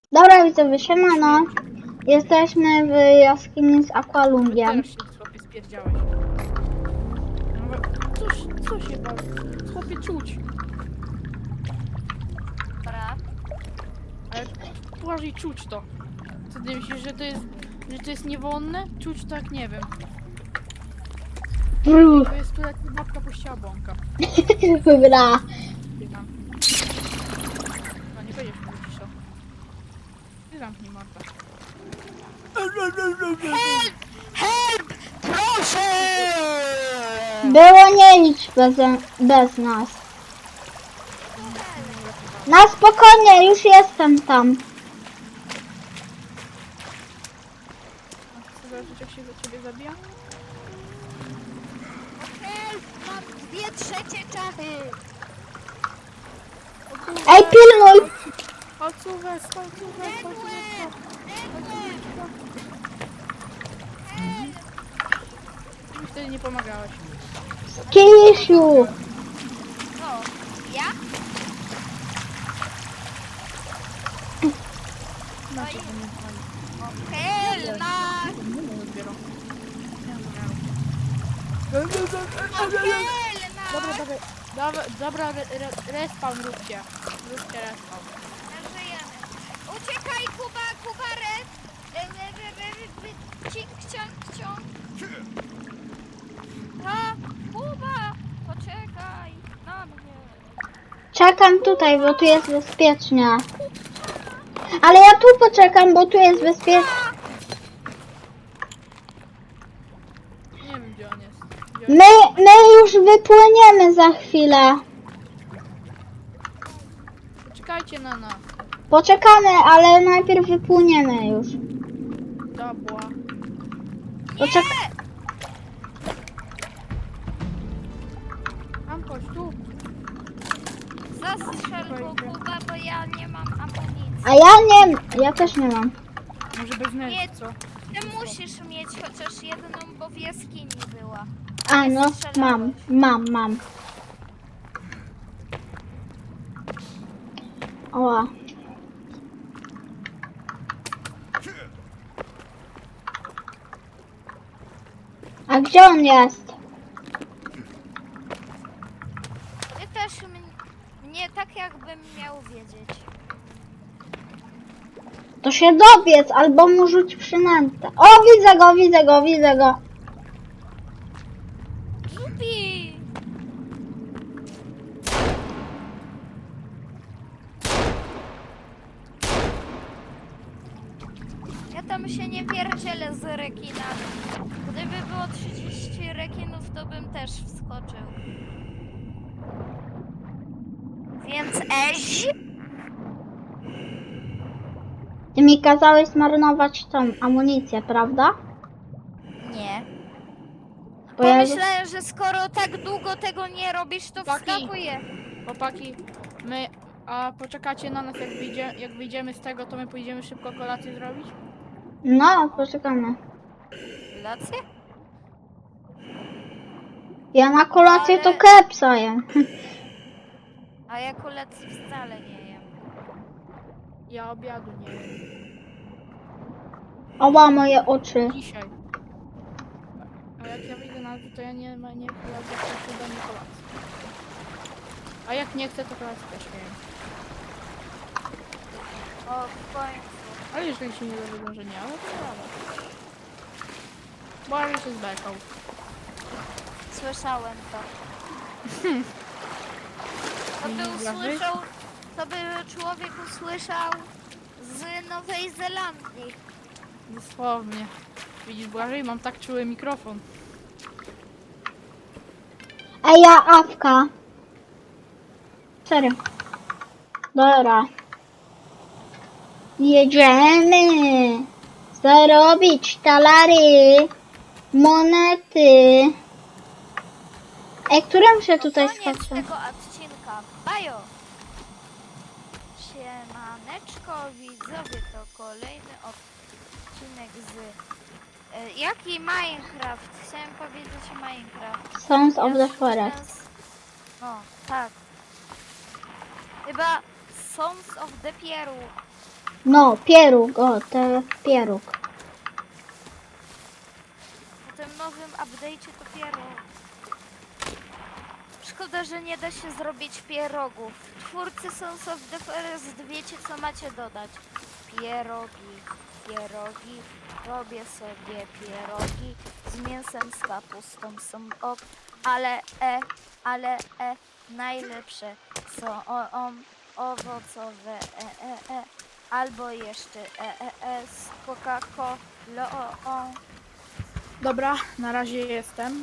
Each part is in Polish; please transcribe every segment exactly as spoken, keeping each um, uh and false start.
Dobra, widzowie, siemano. Jesteśmy w jaskini z Aqualungiem. Teraz się chłopie spierdziałeś. No, cóż, co się bawi? Chłopie czuć. Dobra. Ale uważaj, czuć to. Co ty myślisz, że to jest, że to jest niewolne? Czuć tak, nie wiem. Brrr. To jest tu jak babka puściła bąka. Dobra. Ty tam. No nie będziesz mówić to. Ty zamknij mordę. Help! Proszę! Było nie licz bez, bez nas. Na spokojnie, już jestem tam. A chcesz zobaczyć, jak się za ciebie zabija? Help! Mam dwie trzecie czachy! Ej, pilnuj! Palcówek, palcówek, palcówek. Mi wtedy nie pomagałeś. Kisiu! Co? Ja? Znaczy, to nie pomagał. Helna! Nie wiem dopiero. Helna! Dobra, dawaj, dawaj, dobra, re, re, respawn róbcie. Róbcie respawn. Żyjemy. Uciekaj, Kuba, Kuba, red! E, e, e, e, e, Cink, ciąg, ciąg. A, Kuba! Poczekaj na mnie. Czekam tutaj, bo tu jest bezpiecznie. Ale ja tu poczekam, bo tu jest bezpiecznie. Nie wiem, gdzie on jest. Gdzie on My, my już wypłyniemy za chwilę. Poczekajcie na nas. Poczekamy, ale najpierw wypłyniemy już. Dobra. Poczek Tam chodź, tu. Zastrzel go, Kuba, bo ja nie mam amunicji. A ja nie, ja też nie mam. Może bez Nie. nerw, co? Ty musisz mieć chociaż jedną, bo w jaskini była. A no, mam, mam, mam. Oła. A gdzie on jest? Ty też m- mnie tak jakbym miał wiedzieć. To się dobiec, albo mu rzuć przynętę. O, widzę go, widzę go, widzę go. Zupi! Ja tam się nie pierdzielę z rekinami. Gdyby było trzydzieści rekinów, to bym też wskoczył. Więc eź? Ty mi kazałeś zmarnować tą amunicję, prawda? Nie. Bo ja... Pomyślałem, że skoro tak długo tego nie robisz, to Chłopaki. wskakuję. Chłopaki, my... A poczekacie na nas, jak, wyjdzie, jak wyjdziemy z tego, to my pójdziemy szybko kolację zrobić? No, poczekamy. Kolację? Ja na kolację to Ale- kepsa jem. A ja kolacji wcale nie jem. Ja obiadu nie jem. Oła, moje oczy. Dzisiaj. A jak ja wyjdę na dół, to ja nie ma nie kolację, to się da nie kolacji. A jak nie chcę, to kolację też nie jem. O, w końcu. Ale jeżeli się nie dowiedzą, że nie, ale to prawda. Bo ale się zbekał. Słyszałem to. To by Widzisz, usłyszał, to by człowiek usłyszał z Nowej Zelandii. Dosłownie. Widzisz, Błażej, mam tak czuły mikrofon. Ej, ja awka. Serio. Dobra. Jedziemy. Zarobić talary. Monety. Ej, którym się tutaj Koniec skacze? tego odcinka. Bajo! Siemaneczko widzowie, to kolejny odcinek z... E, jaki Minecraft? Chciałem powiedzieć Minecraft. Sons of the Ja Forest. sens- O, tak. Chyba Sons of the Pieru. No, pieróg, o, to pieróg. Po tym nowym update'cie to pieróg. Szkoda, że nie da się zrobić pierogów. Twórcy Sons of the Forest, wiecie co macie dodać. Pierogi, pierogi, robię sobie pierogi z mięsem, z kapustą są ok, ale e, ale e, najlepsze są o, o, owocowe e, e, e, albo jeszcze e, e, e, z Coca-Colą o, o. Dobra, na razie jestem.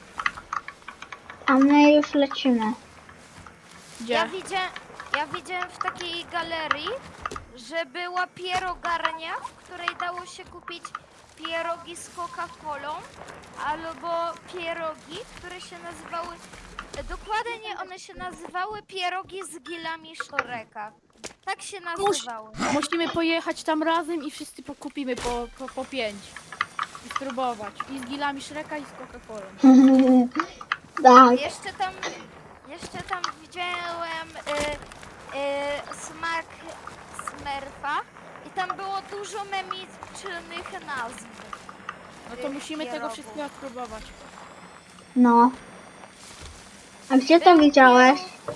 A my już lecimy. Gdzie? Ja widziałem, ja widziałem w takiej galerii, że była pierogarnia, w której dało się kupić pierogi z Coca-Colą, albo pierogi, które się nazywały, dokładnie one się nazywały pierogi z gilami Sztoreka. Tak się nazywały. Musimy pojechać tam razem i wszyscy pokupimy po, po, po pięć. I spróbować. I z gilami Shreka i z Coca-Colą. Tak. Jeszcze tam, jeszcze tam widziałem y, y, smak Smurfa i tam było dużo memicznych nazw. No to tych musimy tego pierogów. wszystkiego spróbować. No. A gdzie to Był widziałeś? pieróg,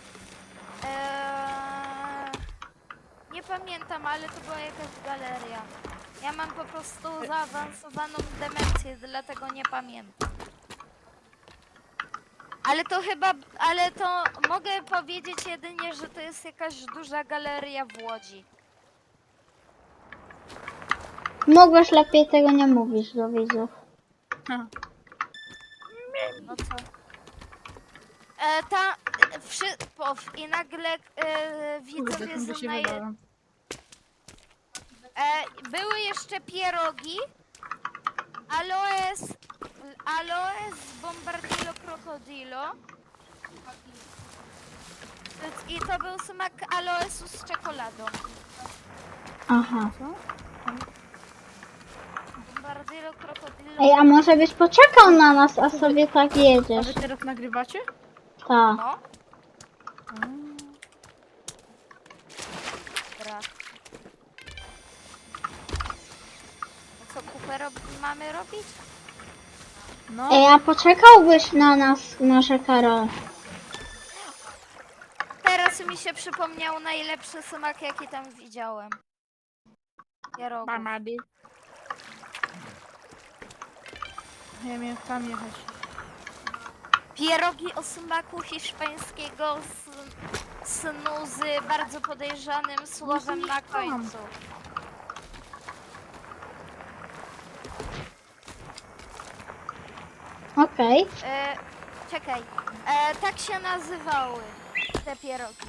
Eee, nie pamiętam, ale to była jakaś galeria. Ja mam po prostu zaawansowaną demencję, dlatego nie pamiętam. Ale to chyba, ale to mogę powiedzieć jedynie, że to jest jakaś duża galeria w Łodzi. Mogłeś lepiej tego nie mówić do widzów. Ha. No co? E, ta, e, wszy, pow, i nagle e, widzowie Kurde, się znaje, wydałem. e, były jeszcze pierogi, aloes, aloes bombardillo crocodilo. I to był smak aloesu z czekoladą. Aha. Co? Bombardillo crocodilo. Ej, a może byś poczekał na nas, a sobie tak A jedziesz? wy teraz nagrywacie? Tak. No, A. dobra. A co kupę rob mamy robić? No. Ej, a poczekałbyś na nas, nasze Karol? Teraz mi się przypomniał najlepszy smak, jaki tam widziałem. Pierogów. Mamady. Ja miałem tam jechać. Pierogi o smaku hiszpańskiego s- snu z bardzo podejrzanym słowem na końcu. Okej. E, czekaj, e, tak się nazywały te pierogi.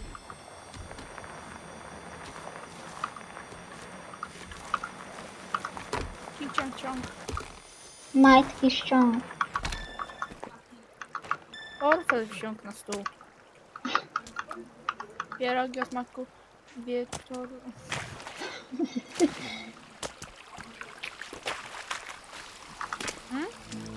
Ciąg, ciąg, ciąg. Majtki ściąg. Portfel wsiąk na stół. Pierogi o smaku wieczoru. Hmm?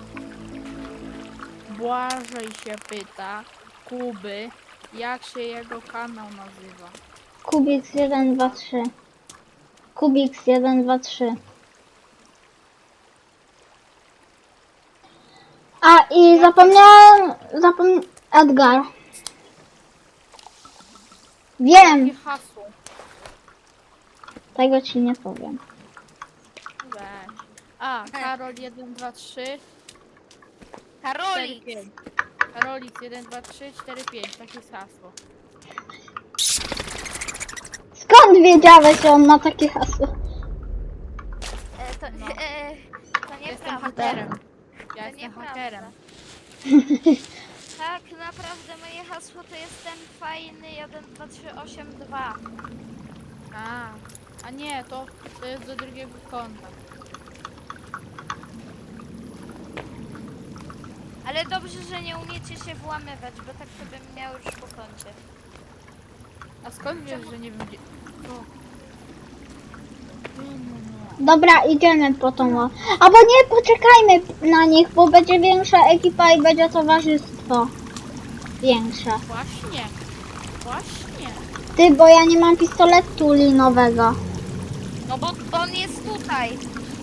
Błażej się pyta Kuby, jak się jego kanał nazywa. Kubiks jeden, dwa, trzy. Kubiks jeden, dwa, trzy. A i zapomniałem, zapom... Edgar. Wiem, Jakie hasło? tego ci nie powiem. Weź. A, Karol jeden, dwa, trzy, cztery, Karolik! pięć. Karolix jeden, dwa, trzy, cztery, pięć. Takie jest hasło. Skąd wiedziałeś, że on ma takie hasło? E, to, No. e, to Jestem nieprawda. hakerem. Ja To jestem nieprawda. hakerem. Tak, naprawdę moje hasło to jest ten fajny jeden dwa trzy osiem dwa. A, a nie, to, to jest do drugiego konta. Ale dobrze, że nie umiecie się włamywać, bo tak to bym miał już po koncie. A skąd wiesz, że nie wiem gdzie... O. Dobra, idziemy po tą. o- Albo nie, poczekajmy na nich, bo będzie większa ekipa i będzie towarzystwo. Większe. Właśnie. Właśnie. Ty, bo ja nie mam pistoletu linowego. No bo on jest tutaj.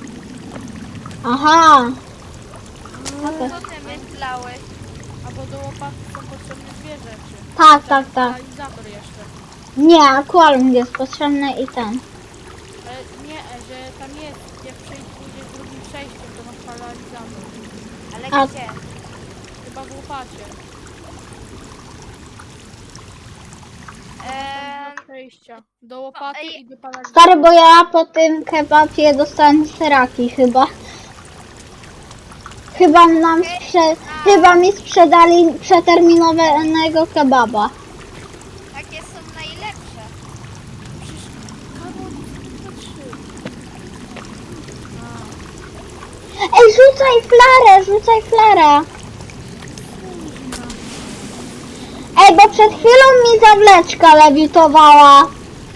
Aha. Okej. Co ty myślałeś? Albo do łopaty są potrzebne dwie rzeczy. Tak, tak, tak. Realizator jeszcze. Nie, akwarium jest potrzebny i ten. Ale nie, że tam jest, jak przejść pójdziesz drugim przejściem, to masz paralizator. Ale A- gdzie? Chyba w łopacie. Eee, Do przejścia. Do łopaty ej. i do paralizatora. Stary, bo ja po tym kebabie dostałem seraki chyba. Chyba nam sprze... Chyba mi sprzedali przeterminowanego kebaba. takie są najlepsze. Przecież Karol to trzy. Ej, rzucaj flarę, rzucaj flarę. Ej, bo przed chwilą mi zawleczka lewitowała.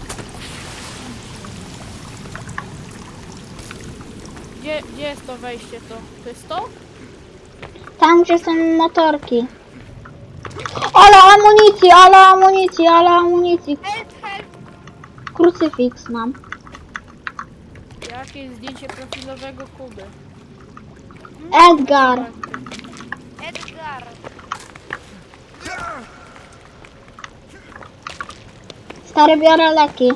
Gdzie, gdzie jest to wejście to? To jest to? Tam, gdzie są motorki. Ale amunicji, ale amunicji, ale amunicji. Help, help! Krucyfiks mam. Jakie jest zdjęcie profilowego Kuby? Edgar. Edgar! Stary, biorę leki.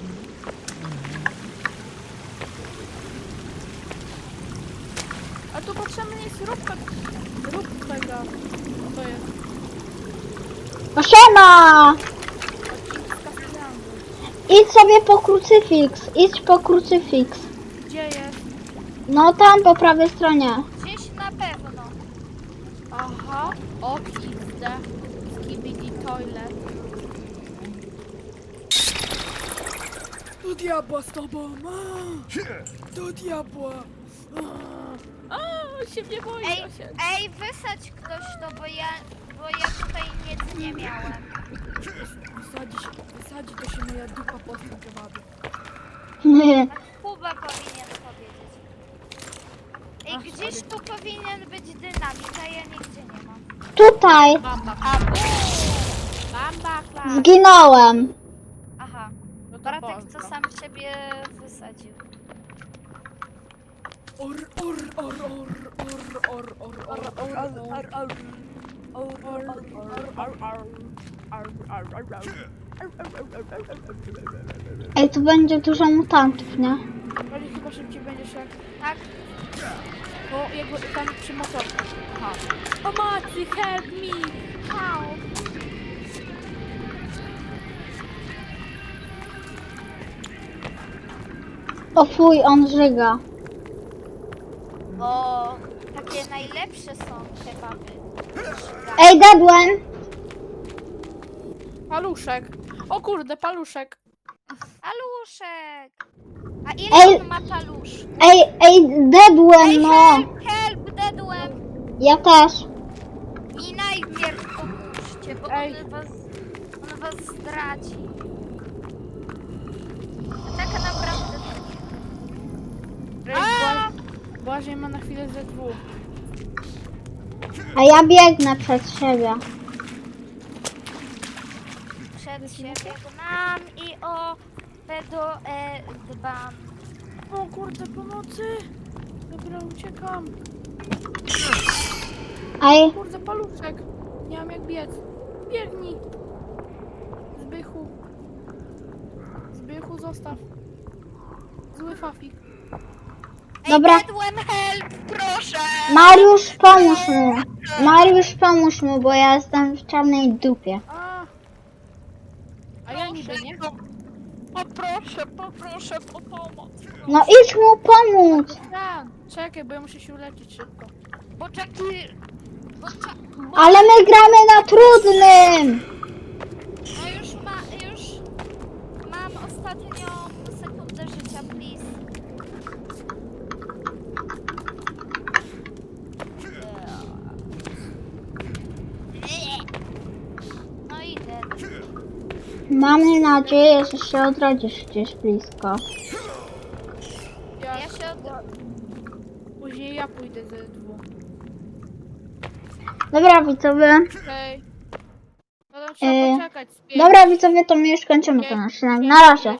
A tu potrzebny jest róbka. Rób tego. Co to jest? O, siema! Odcinek z Kastellangu. Idź sobie po krucyfiks, idź po krucyfiks. Gdzie jest? No tam po prawej stronie. Gdzieś na pewno. Aha. Ok, X D. Skibidi Toilet. Do diabła z tobą! A! Do diabła! A, a, się nie boi, Ej, się. ej, wysadź ktoś to, bo ja, bo ja tutaj nic nie miałem. Wysadzi się, wysadzi to się moja dupa po tym kebabie. Kuba powinien powiedzieć. Ej, Ach, gdzieś tu powinien być dynamit, a ja nigdzie nie mam. Tutaj Bamba. Bamba, klar. zginąłem. Aha, No to Bartek pozdro. to sam siebie wysadził. Or, or, or, or, or, or, or, or, or, or, or, Ej, tu będzie dużo mutantów, nie? Bardziej chyba szybciej będziesz jak... Tak? Bo jakby tam przy motorze. Aha. Pomocy, help me! How? O fuj, on żyga. O, takie najlepsze są kebaby. Ej, dedłem! Paluszek. O kurde, paluszek. Paluszek! A ile Ej. on ma palusz? Ej, ej, dedłem, Ej, no! help, help, dedłem! Ja też. I najpierw pomóżcie, bo Ej. on was, on was zdradzi. Tak naprawdę to nie. Ej, Bła- Błażej ma na chwilę ze dwóch. A ja biegnę przed siebie. Przed siebie nam i o pedo e dbam. O kurde, pomocy! Dobra, uciekam. Ej, Kurde, paluszek. Nie mam jak biec. Biegnij. Zbychu. Zbychu, zostaw. Zły fafik. Ej, Dobra. dedłem, help, proszę! Mariusz, pomóż mu. Mariusz, pomóż mu, bo ja jestem w czarnej dupie. A, A ja niby nie. Poproszę, poproszę o pomoc. No idź mu pomóc. Ja, czekaj, bo ja muszę się uleczyć szybko. Bo czeki... Bo cza... bo... Ale my gramy na trudnym. No już ma... już... Mam ostatnią sekundę życia, please. No idę. Mamy nadzieję, że się odrodzisz gdzieś blisko. Ja, Ja się od... Później ja pójdę ze dwóch. Dobra, widzowie. Okej. No to trzeba E, poczekać z pięć. Dobra, widzowie, to my już kończymy ten odcinek. Na razie.